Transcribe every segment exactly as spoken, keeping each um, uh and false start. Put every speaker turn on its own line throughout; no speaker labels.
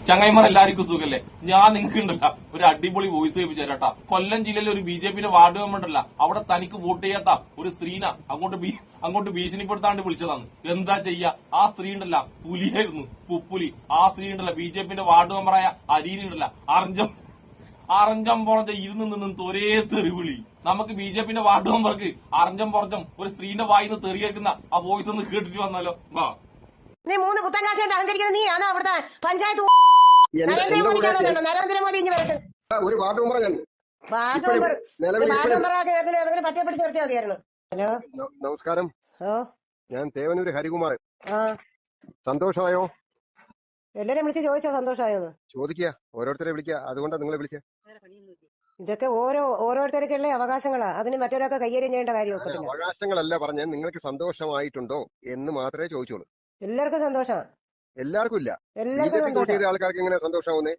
ചങ്ങായിമാർ എല്ലാവർക്കും സുഖല്ലേ? ഞാൻ നിങ്ങൾക്ക് ഉണ്ടല്ല ഒരു അടിപൊളി വോയിസ് കേൾപ്പിച്ചു തരാട്ടാ. കൊല്ലം ജില്ലയിലെ ഒരു ബി ജെ പിന്റെ വാർഡ് മെമ്പർ ഉണ്ടല്ല, അവിടെ തനിക്ക് വോട്ട് ചെയ്യാത്ത ഒരു സ്ത്രീന അങ്ങോട്ട് അങ്ങോട്ട് ഭീഷണിപ്പെടുത്താണ്ട് വിളിച്ചതാണ്. എന്താ ചെയ്യാ? ആ സ്ത്രീ ഉണ്ടല്ല പുലിയായിരുന്നു, പുപ്പുലി. ആ സ്ത്രീ ഉണ്ടല്ല ബി ജെ പിന്റെ വാർഡ് മെമ്പറായ അരീനി ഉണ്ടല്ല അറഞ്ചം അറഞ്ചം പുറഞ്ഞ ഇരുന്ന് നിന്നും ഒരേ തെറിവിളി. നമുക്ക് ബി ജെ പിന്റെ വാർഡ് മെമ്പർക്ക് അറഞ്ചം പുറഞ്ഞം ഒരു സ്ത്രീന്റെ വായിന്ന് തെറി കേൾക്കുന്ന ആ വോയിസ് ഒന്ന് കേട്ടിട്ട് വന്നാലോ? വാ.
നീ മൂന്ന് പുത്തങ്കാശായിട്ട് അഹങ്കരിക്കുന്ന നീ ആണോ അവിടുത്തെ പഞ്ചായത്ത് നരേന്ദ്രമോദിക്കാണോ? നരേന്ദ്രമോദി ഇഞ്ഞ് വരട്ടെ.
ഒരു വാർഡ് മെമ്പർ ഞാൻ
വാർഡ് മെമ്പർ വാർഡ് മെമ്പറാക്കി ഏതെങ്കിലും പറ്റേ പിടിച്ച് നിർത്തിയാൽ മതിയായിരുന്നു. ഹലോ,
നമസ്കാരം.
ഓ,
ഞാൻ തേവനൂര് ഹരികുമാർ.
ആ,
സന്തോഷമായോ?
എല്ലാരും വിളിച്ച് ചോദിച്ചോ സന്തോഷമായോന്ന്?
ചോദിക്കുക, ഓരോരുത്തരെ വിളിക്കുക. അതുകൊണ്ടാണ് നിങ്ങളെ വിളിക്കുക.
ഇതൊക്കെ ഓരോ ഓരോരുത്തർക്കുള്ള അവകാശങ്ങളാ, അതിന് മറ്റൊരാൾക്ക് കൈകാര്യം ചെയ്യേണ്ട കാര്യമൊക്കെ.
അവകാശങ്ങളല്ല പറഞ്ഞ, നിങ്ങൾക്ക് സന്തോഷമായിട്ടുണ്ടോ എന്ന് മാത്രമേ ചോദിച്ചോളൂ.
എല്ലാവർക്കും സന്തോഷമാണ്.
എല്ലാവർക്കും ഇല്ല.
എല്ലാവർക്കും സന്തോഷം.
ആൾക്കാർക്ക് എങ്ങനെ സന്തോഷമാവുന്നേ?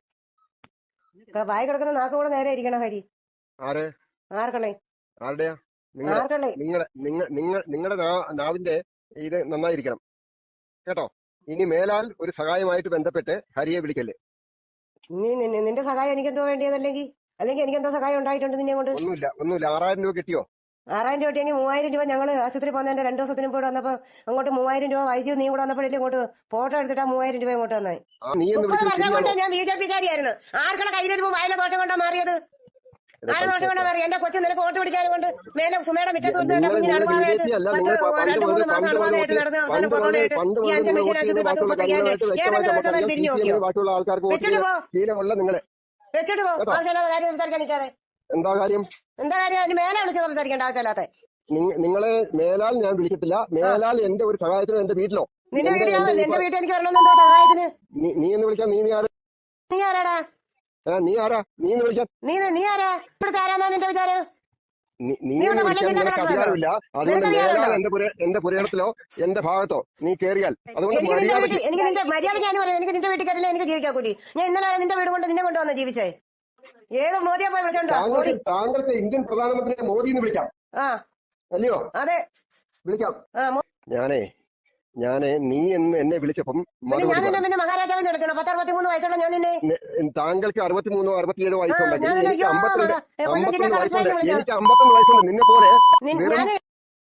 വായി കിടക്കുന്ന നാക്ക് കൂടെ നേരെ ഇരിക്കണം. ഹരി
ആരെ?
ആർക്കണേ?
ആരുടെയാ? നിങ്ങളെ നിങ്ങളെ നിങ്ങൾ നിങ്ങളുടെ നാവിന്റെ ഇത് നന്നായിരിക്കണം കേട്ടോ. ഇനി മേലാൽ ഒരു സഹായമായിട്ട് ബന്ധപ്പെട്ട് ഹരിയെ വിളിക്കല്ലേ.
നിന്റെ സഹായം എനിക്കെന്തോ വേണ്ടിയതല്ലെങ്കിൽ അല്ലെങ്കിൽ എനിക്കെന്തോ സഹായം ഉണ്ടായിട്ടുണ്ട് നിന്നെ കൊണ്ട്?
ഒന്നുമില്ല, ഒന്നുമില്ല. ആറായിരം രൂപ കിട്ടിയോ?
ആറായിരം രൂപ കിട്ടിയെങ്കിൽ മൂവായിരം രൂപ ഞങ്ങൾ ആശുപത്രി പോകുന്നതിന്റെ രണ്ടു ദിവസത്തിന് കൂടെ വന്നപ്പോ അങ്ങോട്ട് മൂവായിരം രൂപ വൈദ്യുതി നീ കൂടെ വന്നപ്പോഴല്ലേ ഇങ്ങോട്ട് ഫോട്ടോ എടുത്തിട്ടാ മൂവായിരം രൂപ ഇങ്ങോട്ട് വന്നേ. മുപ്പത് വർഷം കൊണ്ട് ഞാൻ ബി ജെ പിക്കാരിയായിരുന്നു. ആർക്കുള്ള കയ്യിലിരുമ്പോ വയല ദോഷം കൊണ്ടാ മാറിയത്? ആര് ദോഷം കൊണ്ടാ മാറി? എന്റെ കൊച്ചു നിനക്ക് വോട്ട് പിടിക്കാനും കൊണ്ട് മേലെ സുമയുടെ മിറ്റത്ത് കുഞ്ഞിന് അണുബാധയായിട്ട് പത്ത് രണ്ട് മൂന്ന് മാസം അണുബാധയായിട്ട് നടന്ന് അവസാനം കൊറോണയായിട്ട് ഈ അഞ്ച് മെഷീൻ ആശുപത്രി പത്ത് മുപ്പത്തയ്യായിരം ഏതെങ്കിലും ദിവസം തിരിഞ്ഞു നോക്കിയോ? വെച്ചിട്ട് പോ, വെച്ചിട്ട് പോ. ആവശ്യമില്ലാത്ത കാര്യം സംസാരിക്കാൻ നിൽക്കാതെ.
എന്താ കാര്യം?
എന്താ കാര്യം? അതിന് മേലെ വിളിച്ച് സംസാരിക്കേണ്ട ആവശ്യമില്ലാത്ത.
നിങ്ങളെ മേലാൽ ഞാൻ വിളിക്കത്തില്ല. മേലാൽ എന്റെ ഒരു സഹായത്തിനോ എന്റെ വീട്ടിലോ.
നിന്റെ വീട്ടിൽ എന്റെ വീട്ടിൽ എനിക്ക് വരണമെന്ന് എന്തോ സഹായത്തിന്?
നീ എന്ന് വിളിക്കാൻ നീ ആരാ?
നീ ആരാടാ?
നീ ആരാ? നീ എന്ന് വിളിക്കാൻ നീ
നീ ആരാ? ഇവിടുത്തെ ആരാന്നാ നിന്റെ വിചാരം?
നീ അധികാരമില്ല. അതുകൊണ്ട് മേലാൽ എന്റെ എന്റെ പുരയിടത്തിലോ എന്റെ ഭാഗത്തോ നീ കേറിയാൽ അതുകൊണ്ട്
എനിക്ക് നിന്റെ മര്യാദ ഞാൻ പറയാം. എനിക്ക് നിന്റെ വീട്ടിൽ കയറില്ല, എനിക്ക് ജീവിക്കാൻ കൂലി. ഞാൻ ഇന്നലെ വരെ നിന്റെ വീട് കൊണ്ട് നിന്നെ കൊണ്ടുവന്ന ജീവിച്ചേ. ഏത് മോദിയെ പോയി വിളിച്ചോണ്ടോ?
താങ്കൾക്ക് ഇന്ത്യൻ പ്രധാനമന്ത്രിയെ മോദി എന്ന് വിളിക്കാം. ആ, അല്ലയോ?
അതെ,
വിളിക്കാം. ഞാനേ ഞാനേ നീ എന്ന് എന്നെ വിളിച്ചപ്പം
പിന്നെ മഹാരാജാവിന് എടുക്കണം. പത്ത് അറുപത്തിമൂന്ന് വയസ്സുള്ള ഞാൻ നിന്നെ.
താങ്കൾക്ക് അറുപത്തിമൂന്നോ അറുപത്തിയേഴോ വയസ്സുണ്ടെങ്കിൽ എനിക്ക് അമ്പത്തിരണ്ട് എനിക്ക് അമ്പത്തൊന്ന് വയസ്സുണ്ട്. നിന്നെ പോലെ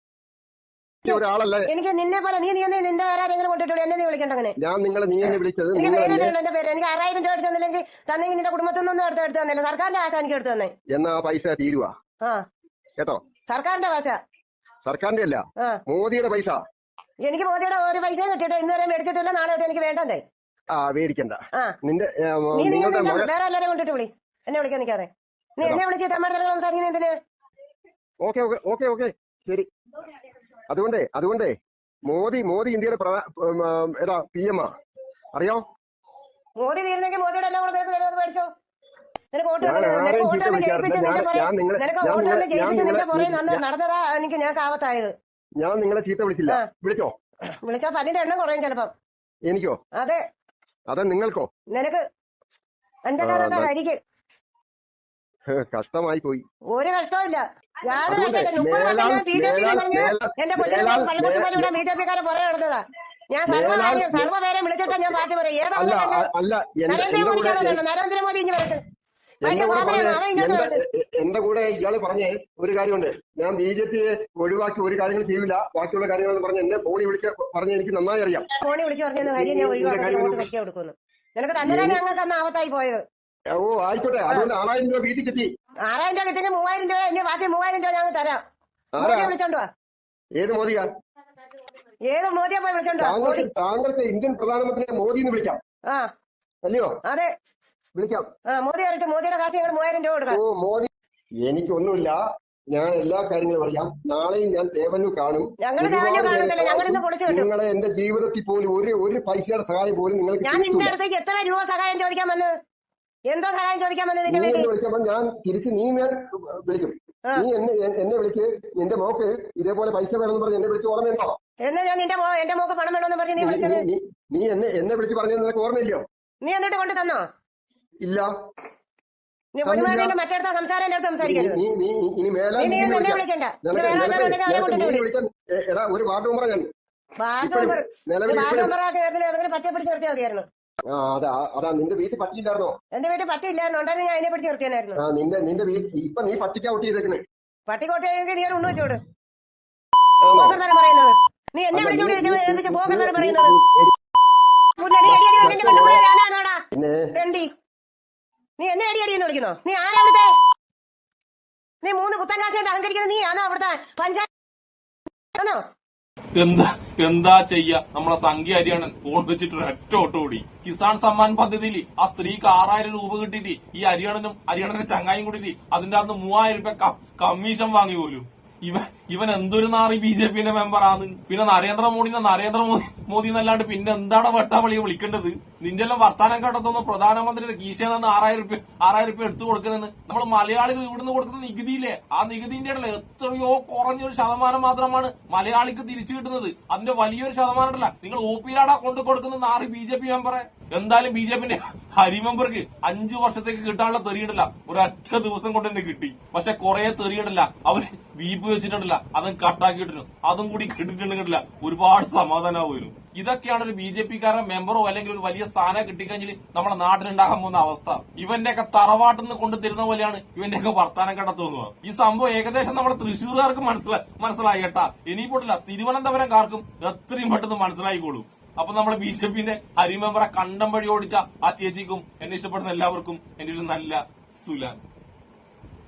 ഒരാളല്ല
എനിക്ക്. നിന്നെ പോലെ നീ നീ നിന്റെ വേറെ ആരെങ്കിലും കൊണ്ടിട്ടുള്ളൂ. എന്നെ നീ വിളിക്കണ്ട അങ്ങനെ.
ഞാൻ നിങ്ങളെ നീ എന്നെ വിളിച്ചത്
എനിക്ക് പേരിട്ടുണ്ട്. എന്റെ പേര് എനിക്ക് ആറായിരം രൂപ എടുത്തു തന്നില്ലെങ്കിൽ തന്നെങ്കിൽ നിന്റെ കുടുംബത്തിൽ നിന്നൊന്നും എടുത്ത് എടുത്തു തന്നില്ല. സർക്കാരിന്റെ ആശ എനിക്ക് എടുത്തു തന്നെ.
എന്നാ ആ പൈസ തീരുവാ കേട്ടോ.
സർക്കാരിന്റെ പൈസ.
സർക്കാരിന്റെ അല്ല, മോദിയുടെ പൈസ. എനിക്ക്
മോദിയുടെ ഒരു പൈസ കിട്ടിയിട്ട് ഇന്നുവരെ മേടിച്ചിട്ടില്ല. നാളെ തൊട്ട് എനിക്ക് വേണ്ടേ?
ആ, മേടിക്കണ്ട. നിന്റെ
വേറെ എല്ലാവരെയും കൊണ്ടിട്ട് വിളി. എന്നെ വിളിക്കാൻ നിൽക്കാതെ. നീ എന്നെ വിളിച്ച് തമ്മിൽ സംസാരിക്കുന്ന എന്തിന്?
ഓക്കെ ഓക്കെ ഓക്കെ ഓക്കെ ശരി. അതുകൊണ്ടേ അതുകൊണ്ടേ മോദി മോദി ഇന്ത്യയുടെ ഏതാ പി എം ആ അറിയോ?
മോദി തീരുന്നെങ്കിൽ മോദിയുടെ എല്ലാം കൂടെ നിനക്ക് തരുന്നത് മേടിച്ചോ. നിനക്ക് വോട്ട് ജയിപ്പിച്ച് നിന്റെ പുറകെ നടന്നതാ എനിക്ക് ഞാൻ കാവത്തായത്.
ഞാൻ നിങ്ങളെ ചീത്ത വിളിച്ചില്ല. വിളിച്ചോ?
വിളിച്ചാ പല്ലിന്റെ എണ്ണം കുറയും ചിലപ്പം.
എനിക്കോ?
അതെ.
അതെ, നിങ്ങൾക്കോ?
നിനക്ക് എന്റെ കാലം അരിക്ക്
കഷ്ടമായി പോയി.
ഒരു കഷ്ടമില്ല. എന്റെ കൊച്ചിനെ പള്ളിക്കുട്ടിമാരിവിടെ ബി ജെ പിക്കാരെ പുറകെ നടന്നതാ. ഞാൻ സർവ്വകാര്യം സർവ്വപേരെ വിളിച്ചിട്ടാ ഞാൻ പാർട്ടി പറയും. ഏതാണ് നരേന്ദ്രമോദിക്കാണോ? നരേന്ദ്രമോദി ഇഞ്ഞ് വരട്ടെ.
എന്റെ കൂടെ ഇയാള് പറഞ്ഞേ ഒരു കാര്യമുണ്ട്. ഞാൻ ബി ജെ പിയെ ഒഴിവാക്കി ഒരു കാര്യങ്ങൾ ചെയ്യില്ല, ബാക്കിയുള്ള കാര്യങ്ങളെന്ന് പറഞ്ഞ് എന്നെ ഫോണി വിളിച്ച് പറഞ്ഞ എനിക്ക് നന്നായി അറിയാം.
ഫോണി വിളിച്ച് പറഞ്ഞു കാര്യം ഞാൻ ഒഴിവാക്കി കൊടുക്കുന്നു. നിനക്ക് തന്നെ ഞങ്ങൾക്ക് അന്ന് ആവത്തായി പോയത്.
ഓ ആയിക്കോട്ടെ. അതുകൊണ്ട് ആറായിരം രൂപ വീട്ടിൽ കിട്ടി.
ആറായിരം രൂപ കിട്ടിയെങ്കിൽ മൂവായിരം രൂപ ഇനി ബാക്കി മൂവായിരം രൂപ ഞങ്ങൾ തരാം. മോദിയെ വിളിച്ചോണ്ടുവാ.
ഏത് മോദിയാ?
ഏത് മോദിയെ പോയി വിളിച്ചോണ്ടുവാ.
താങ്കൾക്ക് ഇന്ത്യൻ പ്രധാനമന്ത്രിയെ മോദി എന്ന് വിളിക്കാം. ആ, അല്ലയോ?
അതെ,
വിളിക്കാം.
ആ, മോദി വരട്ടെ. മോദിയുടെ കാശ് ഞങ്ങൾ മൂവായിരം രൂപ കൊടുക്കാം.
ഓ മോദി, എനിക്കൊന്നുമില്ല. ഞാൻ എല്ലാ കാര്യങ്ങളും അറിയാം. നാളെയും ഞാൻ തേവനൂർ കാണും. നിങ്ങളെ എന്റെ ജീവിതത്തിൽ പോലും ഒരു ഒരു പൈസയുടെ സഹായം പോലും നിങ്ങൾക്ക്.
ഞാൻ നിന്റെ അടുത്തേക്ക് എത്ര രൂപ സഹായം ചോദിക്കാൻ വന്ന്? എന്തോ സഹായം ചോദിക്കാൻ വന്നത്?
വിളിക്കുമ്പോ ഞാൻ തിരിച്ച് നീ വിളിക്കും. നീ എന്നെ എന്നെ വിളിക്ക്. നിന്റെ മോക്ക് ഇതേപോലെ പൈസ വേണമെന്ന് പറഞ്ഞ് എന്നെ വിളിച്ച് ഓർമ്മയുണ്ടോ?
എന്നാ ഞാൻ നിന്റെ എന്റെ മോക്ക് പണം വേണമെന്ന് പറഞ്ഞ് നീ വിളിച്ചത്?
നീ എന്നെ എന്നെ വിളിച്ച് പറഞ്ഞത് നിനക്ക് ഓർമ്മയില്ലയോ?
നീ എന്നിട്ട് കൊണ്ട് തന്നോ?
ഇല്ല.
മറ്റടുത്ത സംസാരം എന്റെ അടുത്ത് സംസാരിക്കരുത്.
ഇനി മേലെ
വിളിക്കണ്ട.
ഒരു വാർഡ് മെമ്പറാ ഞാൻ.
വാർഡ് മെമ്പർ വാർഡ് മെമ്പറാക്കി ഏതെങ്കിലും പറ്റേ പിടിച്ച് നിർത്തിയാൽ മതിയായിരുന്നു.
ആ അതാ അതാ നിന്റെ വീട്ടിൽ പട്ടിയില്ലായിരുന്നോ?
എന്റെ വീട്ടിൽ പട്ടി ഇല്ലായിരുന്നു, ഉണ്ടായിരുന്നു ഞാൻ അതിനെ പിടിച്ച് നിർത്തിയായിരുന്നു.
ആ നിന്റെ നിന്റെ വീട്ടിൽ ഇപ്പൊ നീ പട്ടിക്കാ ഔട്ട് ചെയ്തേക്കുന്നത്.
പട്ടിക്കോട്ടെങ്കിൽ നീ ഉണ്ണു വെച്ചോട്. പോകർന്നാണ് പറയുന്നത്. നീ എന്നെ വിളിച്ചോണ്ട് പോകർന്നാണ് പറയുന്നത്. നീ എന്നെ അടി അടിയെന്ന് വിളിക്കുന്നോ? നീ ആരാ അവിടുത്തെ? നീ മൂന്ന് പുത്തൻ കാശായിട്ട് അഹങ്കരിക്കുന്നത് നീ ആണോ അവിടുത്തെ പഞ്ചായത്ത് ആണോ?
എന്താ എന്താ ചെയ്യ, നമ്മളെ സംഖ്യ ഹരിയാണൻ ഫോൺ വെച്ചിട്ട് ഒരൊറ്റ ഓട്ടം ഓടി. കിസാൻ സമ്മാൻ പദ്ധതിയിൽ ആ സ്ത്രീക്ക് ആറായിരം രൂപ കിട്ടിയിട്ട് ഈ ഹരിയാണനും ഹരിയാണന്റെ ചങ്ങായും കൂടിയിട്ട് അതിന്റെ അകത്ത് മൂവായിരം രൂപ കമ്മീഷൻ വാങ്ങി പോലും. ഇവൻ ഇവൻ എന്തൊരു നാറി ബി ജെ പിന്റെ മെമ്പറാണ്. പിന്നെ നരേന്ദ്രമോദിനെ നരേന്ദ്രമോദി മോദി എന്നല്ലാണ്ട് പിന്നെ എന്താണ് വെട്ടാവളിയെ വിളിക്കേണ്ടത്? നിന്റെ എല്ലാം വർത്താനം കേട്ടതൊന്ന് പ്രധാനമന്ത്രിയുടെ കീശയിൽ നിന്ന് ആറായിരം രൂപ ആറായിരം രൂപ എടുത്തു കൊടുക്കുന്നതെന്ന് നമ്മൾ മലയാളികൾ ഇവിടുന്ന് കൊടുക്കുന്ന നികുതിയില്ലേ, ആ നികുതിന്റെ ഇടയിൽ എത്രയോ കുറഞ്ഞൊരു ശതമാനം മാത്രമാണ് മലയാളിക്ക് തിരിച്ചു കിട്ടുന്നത്. അതിന്റെ വലിയൊരു ശതമാനം ഉണ്ടല്ല നിങ്ങൾ ഒ പിയിലാടാ കൊണ്ടു കൊടുക്കുന്ന നാറി ബി ജെ പി മെമ്പറെ. എന്തായാലും ബി ജെ പിന്റെ ഹരി മെമ്പർക്ക് അഞ്ചു വർഷത്തേക്ക് കിട്ടാനുള്ള തെറിയിടല്ല ഒരൊറ്റ ദിവസം കൊണ്ട് തന്നെ കിട്ടി. പക്ഷെ കുറെ തെറിയിടല്ല അവര് വീപ്പ് വെച്ചിട്ടുണ്ടല്ല, അതും കട്ടാക്കിയിട്ടിരുന്നു, അതും കൂടി കിട്ടിയിട്ടുണ്ടെങ്കില്ല ഒരുപാട് സമാധാനമായിരുന്നു. ഇതൊക്കെയാണ് ഒരു ബി ജെ പിക്കാരൻ മെമ്പറോ അല്ലെങ്കിൽ ഒരു വലിയ സ്ഥാനം കിട്ടിക്കഴിഞ്ഞാൽ നമ്മുടെ നാട്ടിലുണ്ടാകാൻ പോകുന്ന അവസ്ഥ. ഇവന്റെയൊക്കെ തറവാട്ടിൽ നിന്ന് കൊണ്ടു തരുന്ന പോലെയാണ് ഇവന്റെയൊക്കെ വർത്താനം കേട്ട തോന്നുക. ഈ സംഭവം ഏകദേശം നമ്മുടെ തൃശ്ശൂർകാർക്ക് മനസ്സിലായി മനസ്സിലായി കേട്ടാ. ഇനിയിപ്പോട്ടില്ല തിരുവനന്തപുരംകാർക്കും എത്രയും പെട്ടെന്ന് മനസ്സിലായിക്കോളും. അപ്പൊ നമ്മുടെ ബി ജെ പിന്റെ ഹരി മെമ്പറെ കണ്ടം വഴി ഓടിച്ച ആ ചേച്ചിക്കും എന്നെ ഇഷ്ടപ്പെടുന്ന എല്ലാവർക്കും എന്റെ ഒരു നല്ല സുലാൻ.